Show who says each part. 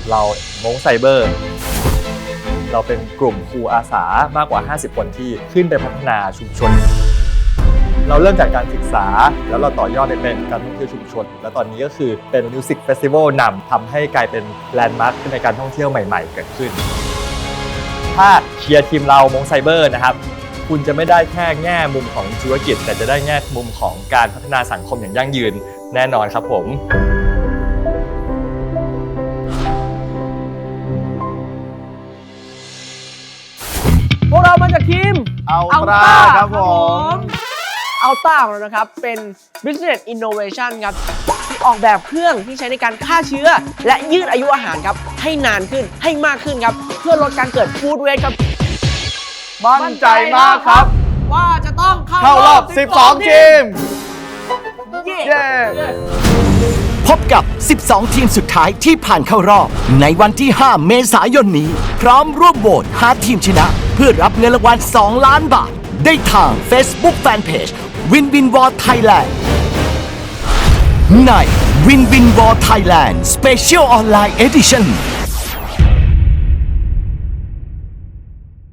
Speaker 1: เรามงไซเบอร์เราเป็นกลุ่มครูอาสามากกว่า50คนที่ขึ้นไปพัฒนาชุมชนเราเริ่มจากการศึกษาแล้วเราต่อยอดไปเป็นการท่องเที่ยวชุมชนแล้วตอนนี้ก็คือเป็นมิวสิกเฟสติวัลนำทำให้กลายเป็นแลนด์มาร์คในการท่องเที่ยวใหม่ๆเกิดขึ้นถ้าเชียร์ทีมเรามงไซเบอร์นะครับคุณจะไม่ได้แค่แง่มุมของธุรกิจแต่จะได้แง่มุมของการพัฒนาสังคมอย่างยั่งยืนแน่นอนครับผม
Speaker 2: พวกเรามาจากทีม
Speaker 3: อัลตร้าครับผม
Speaker 2: อัลต้าของเรานะครับเป็น Business Innovation ครับที่ออกแบบเครื่องที่ใช้ในการฆ่าเชื้อและยืดอายุอาหารครับให้นานขึ้นให้มากขึ้นครับเพื่อลดการเกิดฟู้ดเวสต์ครับ
Speaker 3: มั่นใจมากครับ
Speaker 2: ว่าจะต้อง
Speaker 3: เข้ารอบ 12 ทีม
Speaker 2: เย้
Speaker 3: เย้
Speaker 4: พบกับ 12 ทีมสุดท้ายที่ผ่านเข้ารอบในวันที่ 5 เมษายนนี้ พร้อมร่วมโหวตหาทีมชนะ เพื่อรับเงินรางวัล 2 ล้านบาท ได้ทาง Facebook Fanpage Win Win War Thailand ใน Win Win War Thailand Special Online Edition